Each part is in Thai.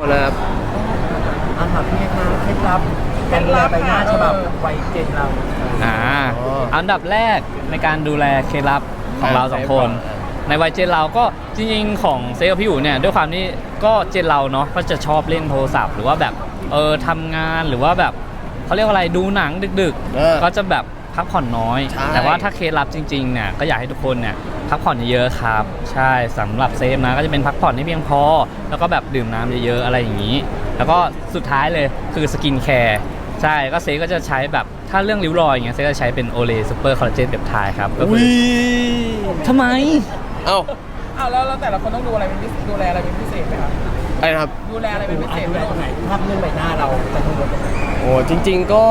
นะครับอาหารพี่คะเคล็ดลับการดูแลใบหน้าฉบับวัยเจนเราอันดับแรกในการดูแลเคล็ดลับของเราสองคนในวัยเจนเราก็จริงๆของเซกับพี่อยู่เนี่ยด้วยความที่ก็เจนเราเนาะก็จะชอบเล่นโทรศัพท์หรือว่าแบบทำงานหรือว่าแบบเขาเรียกว่าอะไรดูหนังดึกๆก็จะแบบพักผ่อนน้อยแต่ว่าถ้าเคล็ดลับจริงๆเนี่ยก็อยากให้ทุกคนเนี่ยพักผ่อนเยอะๆครับใช่สำหรับเซฟนะก็จะเป็นพักผ่อนที่เพียงพอแล้วก็แบบดื่มน้ำเยอะๆอะไรอย่างนี้แล้วก็สุดท้ายเลยคือสกินแคร์ใช่ก็เซฟก็จะใช้แบบถ้าเรื่องริ้วรอยอย่างเงี้ยเซฟจะใช้เป็นโอเลซูเปอร์คอลลาเจนเปปไทด์ครับก็คือทำไมแล้วแต่ละคนต้องดูอะไรเป็นพิเศษดูแลอะไรเป็นพิเศษไหมครับอะไรนะครับดูแลอะไรเป็นพิเศษดูแลตรงไหนภาพเรื่องใบหน้าเราจะกังวลตรงไหนโอ้จริงๆก็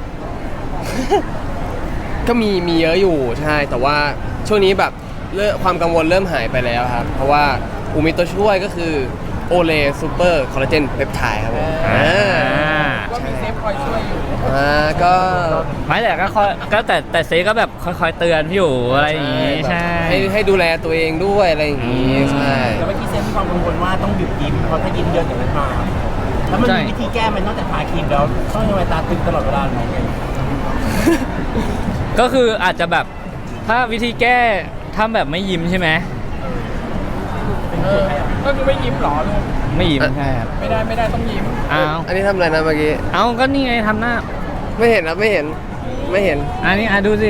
ก็มีเยอะอยู่ใช่แต่ว่าช่วงนี้แบบความกังวลเริ่มหายไปแล้วครับเพราะว่ามีตัวช่วยก็คือโอเลซูเปอร์คอลลาเจนเปปไทด์ครับผมก็มีเซฟคอยช่วยอยู่ก็ไม่แต่ก็แต่เซก็แบบคอยๆเตือนพี่อยู่อะไรอย่างงี้ใช่ให้ดูแลตัวเองด้วยอะไรอย่างงี้ใช่แล้วเมื่อกี้เซฟมีความกังวลว่าต้องหยุดยิ้มเพราะถ้ายิ้มเยอะเดี๋ยวมันมาแล้วมันมีวิธีแก้มันนอกจากทาครีมแล้วต้องทำไมตาตึงตลอดเวลาไหมก็คืออาจจะแบบถ้าวิธีแก้ทำแบบไม่ยิ้มใช่ไหมก็คือไม่ยิ้มหรอลูกไม่ยิ้มใช่ครับไม่ได้ต้องยิ้มอันนี้ทำอะไรนะเมื่อกี้ก็นี่ไงทำหน้าไม่เห็นนะไม่เห็นอันนี้ดูสิ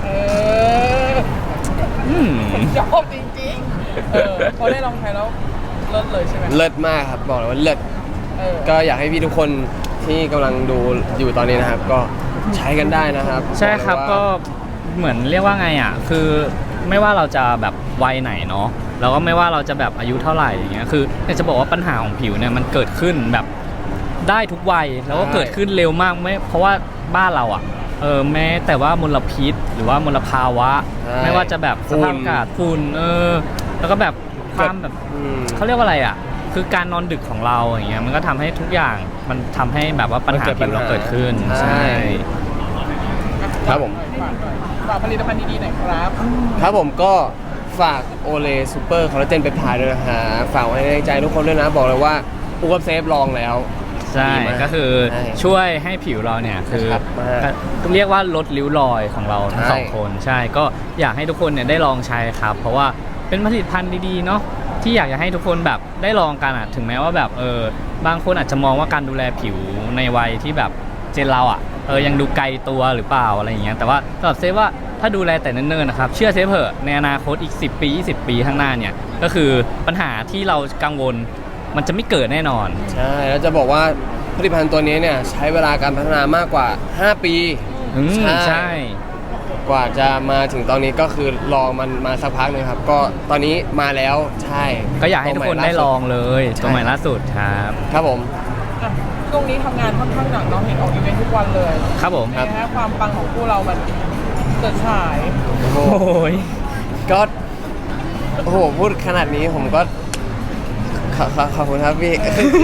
ชอบจริงๆพอได้ลองใช้แล้วเลิศเลยใช่ไหมเลิศมากครับบอกเลยว่าเลิศก็อยากให้พี่ทุกคนที่กำลังดูอยู่ตอนนี้นะครับก็ใช้กันได้นะครับใช่ครับก็เหมือนเรียกว่าไงอ่ะคือไม่ว่าเราจะแบบวัยไหนเนาะแล้วก็ไม่ว่าเราจะแบบอายุเท่าไหร่อย่างเงี้ยคือจะบอกว่าปัญหาของผิวเนี่ยมันเกิดขึ้นแบบได้ทุกวัยแล้วก็เกิดขึ้นเร็วมากไม่เพราะว่าบ้านเราอ่ะแม้แต่ว่ามลพิษหรือว่ามลภาวะไม่ว่าจะแบบสภาพอากาศฝุ่นแล้วก็แบบความแบบเขาเรียกว่าอะไรอ่ะคือการนอนดึกของเราอย่างเงี้ยมันก็ทำให้ทุกอย่างมันทำให้แบบว่าปัญหาผิวเราเกิดขึ้นใช่ครับผมฝากผลิตภัณฑ์ดีๆหน่อยครับผมก็ฝากโอเลซูเปอร์คอลลาเจนเปปไทด์ด้วยนะฮะฝากไว้ในใจทุกคนด้วยนะบอกเลยว่าอูกับเซฟลองแล้วใช่ก็คือช่วยให้ผิวเราเนี่ยคือเรียกว่าลดริ้วรอยของเราทั้งสองคนใช่ก็อยากให้ทุกคนเนี่ยได้ลองใช้ครับเพราะว่าเป็นผลิตภัณฑ์ดีๆเนาะที่อยากจะให้ทุกคนแบบได้ลองกันถึงแม้ว่าแบบบางคนอาจจะมองว่าการดูแลผิวในวัยที่แบบเจนเรายังดูไกลตัวหรือเปล่าอะไรอย่างเงี้ยแต่ว่าสำหรับเซฟว่าถ้าดูแลแต่เนิ่นๆนะครับเชื่อเซฟเถอะในอนาคตอีก10 ปี 20 ปีข้างหน้าเนี่ยก็คือปัญหาที่เรากังวลมันจะไม่เกิดแน่นอนใช่แล้วจะบอกว่าผลิตภัณฑ์ตัวนี้เนี่ยใช้เวลาการพัฒนามากกว่า5 ปีใช่กว่าจะมาถึงตอนนี้ก็คือลองมันมาสักพักนึงครับก็ตอนนี้มาแล้วใช่ก็อยากให้ทุกคนได้ลองเลยตัวใหม่ล่าสุดครับผมช่วงนี้ทำงานค่อนข้างหนักเนาะเห็นออกอีเวนต์ทุกวันเลยครับผมนะฮะความปังของคู่เรามันเกิดฉายโอ้ยก็โอ้โหพูดขนาดนี้ผมก็ขอบคุณครับพี่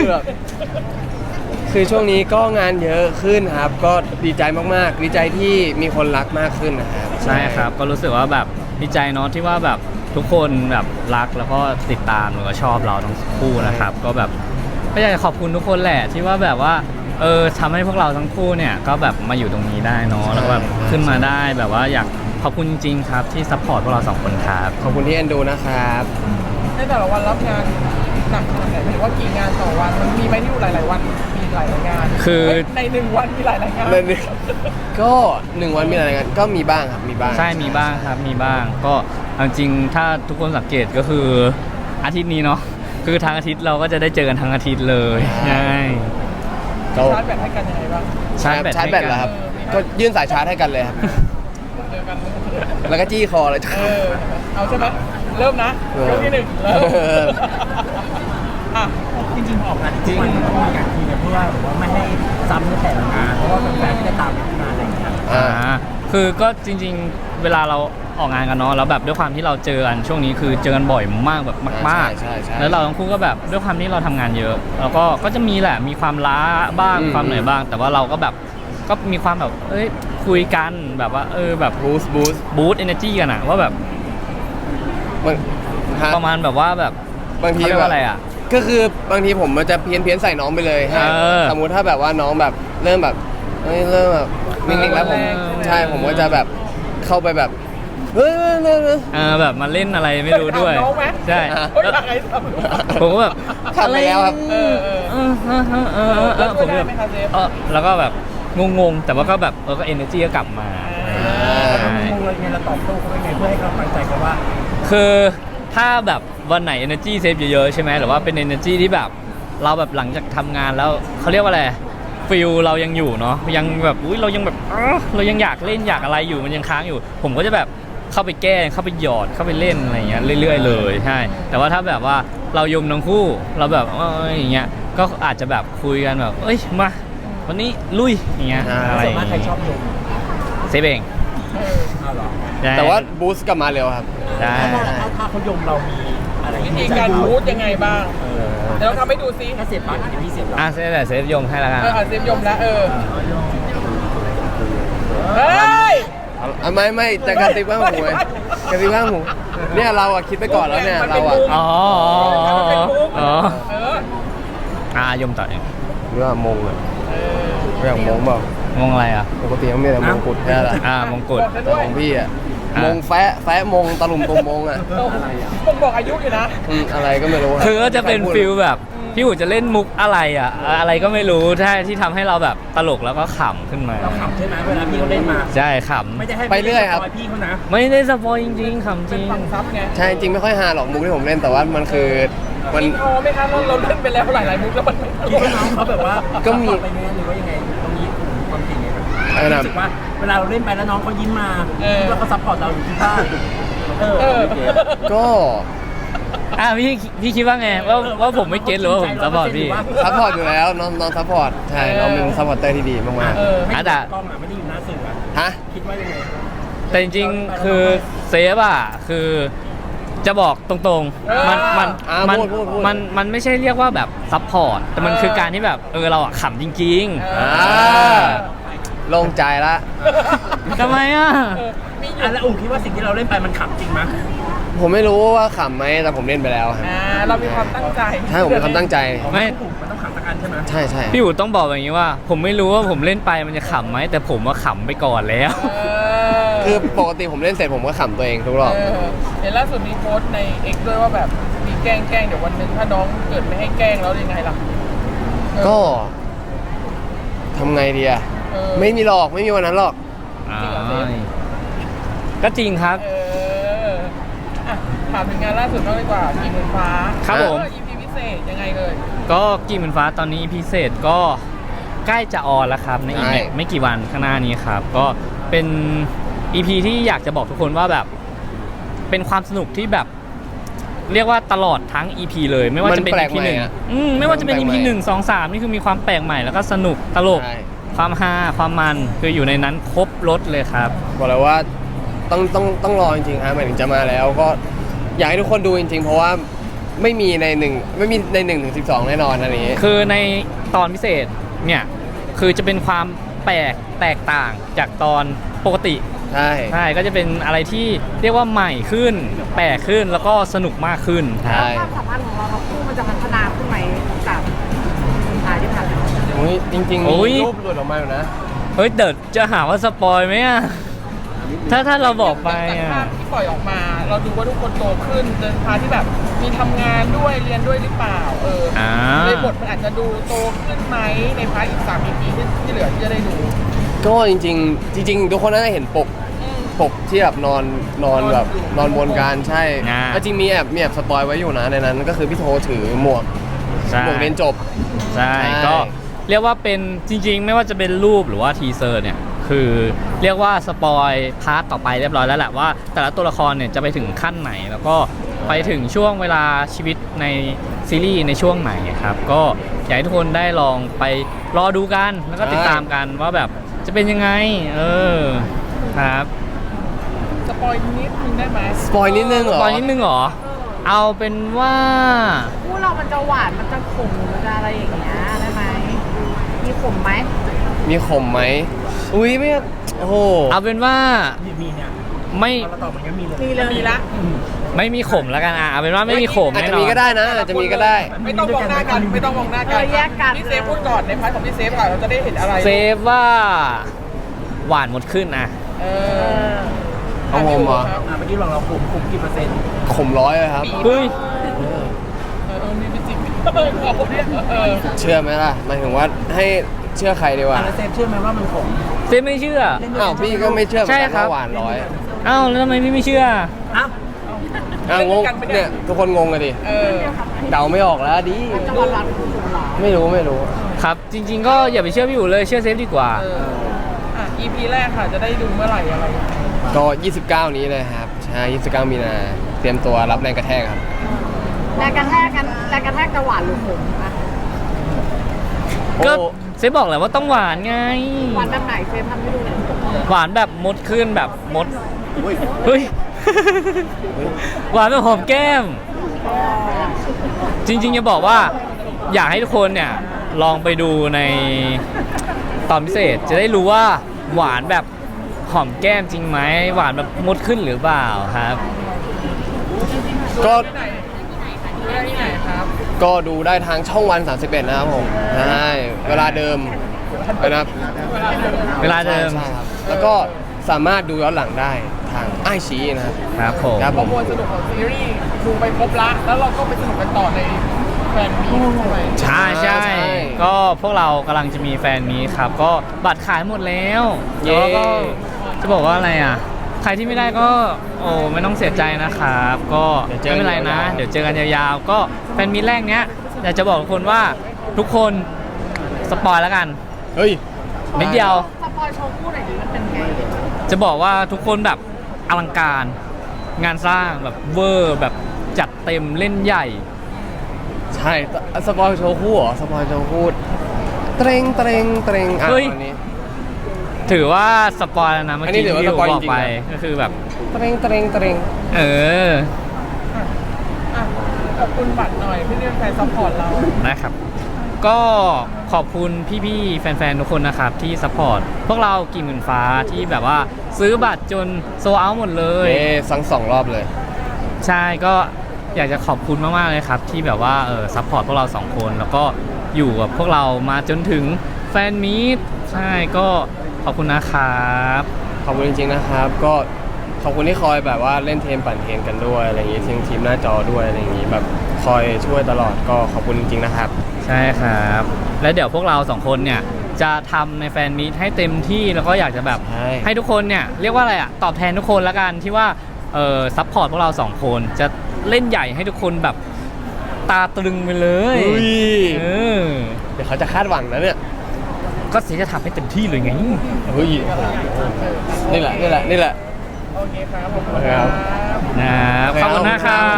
คือช่วงนี้ก็งานเยอะขึ้นครับก็ดีใจมากๆดีใจที่มีคนรักมากขึ้นนะครับใช่ครับก็รู้สึกว่าแบบดีใจเนาะที่ว่าแบบทุกคนแบบรักแล้วก็ติดตามหรือว่าชอบเราทั้งคู่นะครับก็แบบก็อยากจะขอบคุณทุกคนแหละที่ว่าแบบว่าทำให้พวกเราทั้งคู่เนี่ยก็แบบมาอยู่ตรงนี้ได้เนาะแล้วแบบขึ้นมาได้แบบว่าอยากขอบคุณจริงๆครับที่ซัพพอร์ตพวกเรา2 คนครับขอบคุณที่เอ็นดูนะครับในแต่ละวันรับงานหนักขนาดไหนหมายถึงว่ากี่งานต่อวันมันมีไหมที่อยู่หลายๆวันมีหลายงานคือใน1 วันมีหลายงานก็1 วันมีหลายงานก็มีบ้างครับมีบ้างใช่มีบ้างครับมีบ้างก็จริงถ้าทุกคนสังเกตก็คืออาทิตย์นี้เนาะคือทางอาทิตย์เราก็จะได้เจอกันทั้งอาทิตย์เลยใช่ชาร์จแบตให้กันยังไงบ้างชาร์จแบตเหรอครับก็ยื่นสายชาร์จให้กันเลยครับแล้วก็จี้คอเลยเอาใช่ไหมเริ่มนะยกที่ 1เริ่มจริงๆออกงานจริงมันต้องมีการคุยกันเพื่อว่าไม่ให้ซ้ำในแต่ละงานเพราะว่าแฟนๆที่จะตามงานอะไรอย่างเงี้ยคือก็จริงๆเวลาเราออกงานกันเนาะแล้วแบบด้วยความที่เราเจอกันช่วงนี้คือเจอกันบ่อยมากแบบมากๆแล้วเราทั้งคู่ก็แบบด้วยความที่เราทำงานเยอะแล้วก็จะมีแหละมีความล้าบ้างความเหนื่อยบ้างแต่ว่าเราก็แบบก็มีความแบบคุยกันแบบว่าแบบบูสต์ energy กันว่าแบบประมาณแบบว่าแบบบางทีว่าอะไรก็คือบางทีผมมันจะเพี้ยนใส่น้องไปเลยสมมุติถ้าแบบว่าน้องแบบเริ่มแบบเริ่มแบบนิ่งๆแล้วผมใช่ผมก็จะแบบเข้าไปแบบเฮ้ยแบบมาเล่นอะไรไม่รู้ด้วยน้องไหมใช่เฮ้ยใครทำผมก็แบบทำไปแล้วครับแล้วผมได้แบบไหมคะเซฟแล้วก็แบบงงๆ แต่ว่าก็แบบก็ energy ก็กลับมาเรางงเลยไงเราตอบโต้เขายังไงเพื่อให้กำลังใจเขาว่าคือถ้าแบบวันไหน energy save เยอะๆใช่ไหมหรือว่าเป็น energy ที่แบบเราแบบหลังจากทำงานแล้วเขาเรียกว่าอะไรฟิลเรายังอยู่เนาะยังแบบอุ้ยเรายังแบบเรายังอยากเล่นอยากอะไรอยู่มันยังค้างอยู่ ผมก็จะแบบเข้าไปแก้เข้าไปหยอดเข้าไปเล่นอะไรเงี้ยเรื่อยๆเลยใช่แต่ว่าถ้าแบบว่าเรายมทั้งคู่เราแบบอย่างเงี้ยก็อาจจะแบบคุยกันแบบเอ้ยมาวันนี้ลุยอย่างเงี้ยอะไรส่วนมากใครชอบยมเซฟเองเอาเหรอใช่แต่ว่าบูสต์กลับมาเร็วครับใช่ถ้าเขายมเรามีอะไรวิธีการบูทยังไงบ้างเดี๋ยวเราทำให้ดูซิถ้าเสียบปากอย่างพี่เสียบเราเซฟแต่เซฟยมให้แล้วกันเซฟยมแล้วเฮ้ยไม่จะกระติบข้างหูไงกระติบข้างหูเนี่ยเราอะคิดไปก่อนแล้วเนี่ยเราอะอ๋อเออยมต่อเองเรื่องมงอะเรื่องมงเปล่างงอะไรอ่ะปกติมันมีแต่มงกุฎแค่ละมงกุฎแต่ของพี่อะมงแฟะมงตะลุมตุมมงอะผมบอกอายุอยู่นะอะไรก็ไม่รู้รับคือก็จะเป็นฟิลแบบพี่หูจะเล่นมุกอะไรอ่ะอะไรก็ไม่รู้ที่ทำให้เราแบบตลกแล้วก็ขำขึ้นมาเราขำใช่ไหมเวลาพี่เขาเล่นมาใช่ขไม่ได้ให้ไปเรื่อยครับพี่เขานะำไม่ได้สปอยจริงๆขำจเป็นริงฝั่งซับไงใช่จริงไม่ค่อยฮาหรอกมุกที่ผมเล่นแต่ว่ามันคือมันอินโทรไหมคะเราเล่นไปแล้วหลายมุกแล้วมันไม่ตลคิดกว่าน้องเขาแบบว่าก็มีไปเนี่ยหรือว่ายังไงตรงนี้ความจริงไงครับอะไรนะรู้สึกว่าเวลาเราเล่นไปแล้วน้องเขายิ้มมาคิดว่าเขาซัพพอร์ตเราอยู่ที่บ้านก็พี่คิดว่าไงว่าผมไม่เก็ตหรือว่าผมสปอร์ตพี่ซัพพอร์ตอยู่แล้วน้องซัพพอร์ตใช่น้องเป็นซัพพอร์ตเตอร์ที่ดีมากไม่อ่ะได้แต่กล้องอ่ะไม่ได้อยู่หน้าสื่ออ่ะๆฮะคิดว่ายังไงแต่จริงๆคือเซฟอ่ะคือจะบอกตรงๆมันไม่ใช่เรียกว่าแบบซัพพอร์ตแต่มันคือการที่แบบเราอ่ะขำจริงโล่งใจละๆทำไมอ่ะแล้วคิดว่าสิ่งที่เราเล่นไปมันขำจริงไหมผมไม่รู้ว่าขำไหมแต่ผมเล่นไปแล้วครับเรามีความตั้งใจใช่ผมมีความตั้งใจไม่มันต้องขำสักอันใช่ไหมใช่ใช่พี่อู๋ต้องบอกอย่างนี้ว่า ผมไม่รู้ว่าผมเล่นไปมันจะขำไหมแต่ผมว่าขำไปก่อนแล้วคือปกติผมเล่นเสร็จผมก็ขำตัวเองทุกรอบเห็นล่าสุดมีโพสต์ใน X ด้วยว่าแบบมีแกล้งเดี๋ยววันหนึงถ้าน้องเกิดไม่ให้แกล้งแล้วยังไงล่ะก็ทำไงดีอะไม่มีหรอกไม่มีวันนั้นหรอกก็จริงครับถามถึงงานล่าสุดบ้างดีกว่ากี่หมื่นฟ้าครับผม EP พิเศษยังไงเลยก็กี่หมื่นฟ้าตอนนี้พิเศษก็ใกล้จะออนแล้วครับในอีกใช่ไม่กี่วันข้างหน้านี้ครับ ก็เป็น EP ที่อยากจะบอกทุกคนว่าแบบเป็นความสนุกที่แบบ เรียกว่าตลอดทั้ง EP เลยไม่ว่าจะเป็น EP หนึ่งไม่ว่าจะเป็น EP 1 2 3นี่คือมีความแปลกใหม่แล้วก็สนุกตลกใช่ความฮาความมันคืออยู่ในนั้นครบรถเลยครับบอกเลยว่าต้องรอจริงๆฮะหมายถึงจะมาแล้วก็อยากให้ทุกคนดูจริงๆ เพราะว่าไม่มีใน1 ถึง 12แน่นอนอันนี้คือในตอนพิเศษเนี่ยคือจะเป็นความแตกต่างจากตอนปกติใช่ใช่ก็จะเป็นอะไรที่เรียกว่าใหม่ขึ้นแปลกขึ้นแล้วก็สนุกมากขึ้นใช่ความสัมพันธ์ของเราทั้งคู่มันจะพัฒนาขึ้นไหมจากสุดท้ายที่ผ่านมาอุ๊ยจริงๆโอ้ยมีรูปหลุดออกมาอยู่นะเฮ้ยเดี๋ยวจะหาว่าสปอยไหมอะถ้าเราบอกไปจากอะภาพที่ปล่อยออกมา เราดูว่าทุกคนโตขึ้นเดินทางที่แบบมีทำงานด้วยเรียนด้วยหรือเปล่าในบทมันอาจจะดูโตขึ้นไหมในพาร์ทอีก3 EP ที่เหลือที่จะได้ดูก็จริงๆทุกคนน่าจะเห็นปกที่แบบนอนแบบนอนบนการใช่ก็จริงมีแอบสปอยไว้อยู่นะในนั้นก็คือพี่โทถือหมวกใช่เรียนจบใช่ใช่ก็เรียกว่าเป็นจริงๆ ไม่ว่าจะเป็นรูปหรือว่าทีเซอร์เนี่ยคือเรียกว่าสปอยพาร์ทต่อไปเรียบร้อยแล้วแหละว่าแต่ละตัวละครเนี่ยจะไปถึงขั้นไหน แล้วก็ไปถึงช่วงเวลาชีวิตในซีรีส์ในช่วงไหนครับก็อยากให้ทุกคนได้ลองไปรอดูกันแล้วก็ติดตามกันว่าแบบจะเป็นยังไงครับสปอยนิดนึงได้ไหมสปอยนิดนึงเหรอตอนนิดนึงเหรอเอาเป็นว่าคู่เรามันจะหวานมันจะขมหรือมันจะอะไรอย่างเงี้ยได้ไหมมีขมไหมมีขมไหมอุ้ยไม่โอ้โหเอาเป็นว่ามีเนี่ยไม่เราตอบมันก็มีเลยมีเลยมีละผไม่มีขมแล้วกันเอาเป็นว่าไม่มีขมอาจแน่จะนอมีนก็ได้นะอาจจะมีก็ได้ไม่ต้องมองหน้ากันไม่ต้องมองหน้ากันพี่เซฟพูดก่อนในพาร์ทของพี่เซฟค่ะเราจะได้เห็นอะไรเซฟว่าหวานหมดขึ้นอ่ะเออเอาผมเหรอเมื่อกี้เราคุมกี่เปอร์เซ็นต์ขมร้อยเลยครับเฮ้ยมีเป็นจริงขอบคุณเนี่ยเชื่อไหมล่ะหมายถึงว่าให้เชื่อใครดีกว่าแล้วเซฟเชื่อไหมว่ามันขมเซฟไม่เชื่ออ้าวพี่ก็ไม่เชื่อเหมือนใช่กันครับว่าหวานร้อยอ้าวแล้วทำไมพี่ไม่เชื่ออ้าวอ้าวงงเนี่ยทุกคนงงกันดิเออเดาไม่ออกแล้วดิมันจะหวานๆขมๆหรอไม่รู้ครับ จริง ๆ ก็อย่าไปเชื่อพี่อยู่เลยเชื่อเซฟดีกว่า EP แรกค่ะจะได้ดูเมื่อไหร่อะไรก็ 29 นี้เลยครับใช่29 มีนาเตรียมตัวรับแรงกระแทกครับแรงกระแทกจะหวานหรือขมอะก็โอ้เซฟบอกแหละว่าต้องหวานไงหวานแบบไหนเฟรมทำให้ดูหน่อยหวานแบบมดขึ้นแบบมด เฮ้ย หวานแบบหอมแก้ม จริงๆจะบอกว่าอยากให้ทุกคนเนี่ยลองไปดูในตอนพิเศษจะได้รู้ว่าหวานแบบหอมแก้มจริงไหมหวานแบบมดขึ้นหรือเปล่าครับก็ที่ไหนดูได้ที่ไหนครับก็ดูได้ทางช่องวัน 31 นะครับผมใช่เวลาเดิมนะครับเวลาเดิมใช่ครับแล้วก็สามารถดูย้อนหลังได้ทางไอชีนะครับครับผมครับข้อมูลสนุกของซีรีส์ดูไปครบละแล้วเราก็ไปสนุกกันต่อในแฟนมีใช่ไหมใช่ใช่ก็พวกเรากำลังจะมีแฟนมีครับ ก็บัตรขายหมดแล้วเย้แล้วก็จะบอกว่าอะไรอ่ะ ใครที่ไม่ได้ก็โอ้ไม่ต้องเสียใจนะครับ ก็ไม่เป็นไรนะ เดี๋ยวเจอกันยาวๆ ก็แฟนมีแรกเนี้ยอยากจะบอกทุกคนว่าทุกคนสปอยแล้วกันเฮ้ยนิดเดียวสปอยโชว์คู่หน่อยดิมันเป็นไงจะบอกว่าทุกคนแบบอลังการ งานสร้างแบบเวอร์แบบจัดเต็มเล่นใหญ่ใช่สปอยโชว์คู่เหรอสปอยโชว์คู่เตรงอ่ะเฮ้ยอันนี้ถือว่าสปอยแล้วนะเมื่ออันนี้กี้ถือว่าที่ผมสปอยบอกจริงๆไปนะก็คือแบบเตรงเอออ่ะขอบคุณบัตรหน่อยที่เรียกแฟนซัพพอร์ตเรานะครับ ก็ขอบคุณพี่ๆ แฟนๆ ทุกคนนะครับที่ซัพพอร์ตพวกเรากี่หมื่นฟ้าที่แบบว่าซื้อบัตรจนโซเอาหมดเลยสั่ง2 รอบเลยใช่ก็อยากจะขอบคุณมากๆเลยครับ ที่แบบว่าซัพพอร์ตพวกเราสองคนแล้วก็อยู่กับพวกเรามาจนถึงแฟนมีตใช่ก็ขอบคุณนะครับขอบคุณจริงๆนะครับ ก็ขอบคุณที่คอยแบบว่าเล่นเทมปั่นเทมกันด้วยอะไรอย่างงี้ทีมหน้าจอด้วยอะไรอย่างงี้แบบคอยช่วยตลอดก็ขอบคุณจริงๆนะครับใช่ครับ แล้วเดี๋ยวพวกเราสองคนเนี่ยจะทำในแฟนมีตให้เต็มที่แล้วก็อยากจะแบบใช่ให้ทุกคนเนี่ยเรียกว่าอะไรอะตอบแทนทุกคนละกันที่ว่าซัพพอร์ตพวกเราสองคนจะเล่นใหญ่ให้ทุกคนแบบตาตรึงไปเลยอุ้ยเออเดี๋ยวเขาจะคาดหวังนะเนี่ยก็เสียจะทำให้เต็มที่เลยไงเฮ้ยนี่แหละโอเคครับขอบคุณครับครับนะครับขอบคุณนะครับ